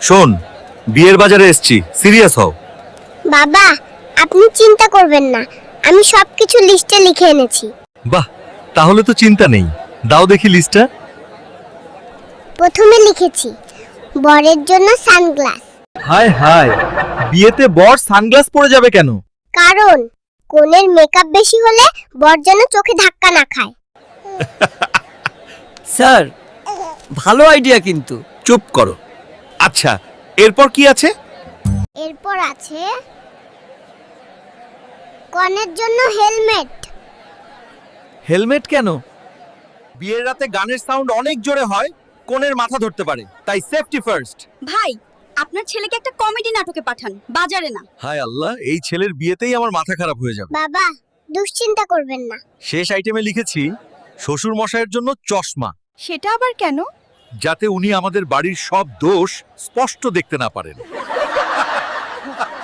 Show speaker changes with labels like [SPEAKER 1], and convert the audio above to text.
[SPEAKER 1] শোন, বিয়ের বাজারে এসছি, সিরিয়াস হও।
[SPEAKER 2] বাবা, আপনি চিন্তা করবেন না, আমি সবকিছু লিস্টে লিখে এনেছি।
[SPEAKER 1] বাহ, তাহলে তো চিন্তা নেই। দাও দেখি লিস্টটা।
[SPEAKER 2] প্রথমে লিখেছি বরের জন্য সানগ্লাস,
[SPEAKER 1] হায় হায়, বিয়েতে বর সানগ্লাস পরে যাবে কেন?
[SPEAKER 2] কারণ কনের মেকআপ বেশি হলে বর যেন চোখে ধাক্কা না খায়।
[SPEAKER 3] স্যার, ভালো আইডিয়া কিন্তু।
[SPEAKER 1] চুপ করো। আচ্ছা, এরপর কি আছে?
[SPEAKER 2] এরপর আছে কনের জন্য হেলমেট।
[SPEAKER 1] হেলমেট কেন? বিয়ের রাতে গানের সাউন্ড অনেক জোরে হয়, কোনের মাথা ধরতে পারে, তাই সেফটি ফার্স্ট।
[SPEAKER 4] ভাই, আপনার ছেলেকে একটা কমেডি নাটকে পাঠান, বাজারে না।
[SPEAKER 1] হায় আল্লাহ, এই ছেলের বিয়েতেই আমার মাথা খারাপ হয়ে যাবে।
[SPEAKER 2] বাবা, দুশ্চিন্তা করবেন না।
[SPEAKER 1] শেষ আইটেমে লিখেছি শ্বশুর মশাইয়ের জন্য চশমা,
[SPEAKER 4] সেটা আবার কেন?
[SPEAKER 1] যাতে উনি আমাদের বাড়ির সব দোষ স্পষ্ট দেখতে না পারেন।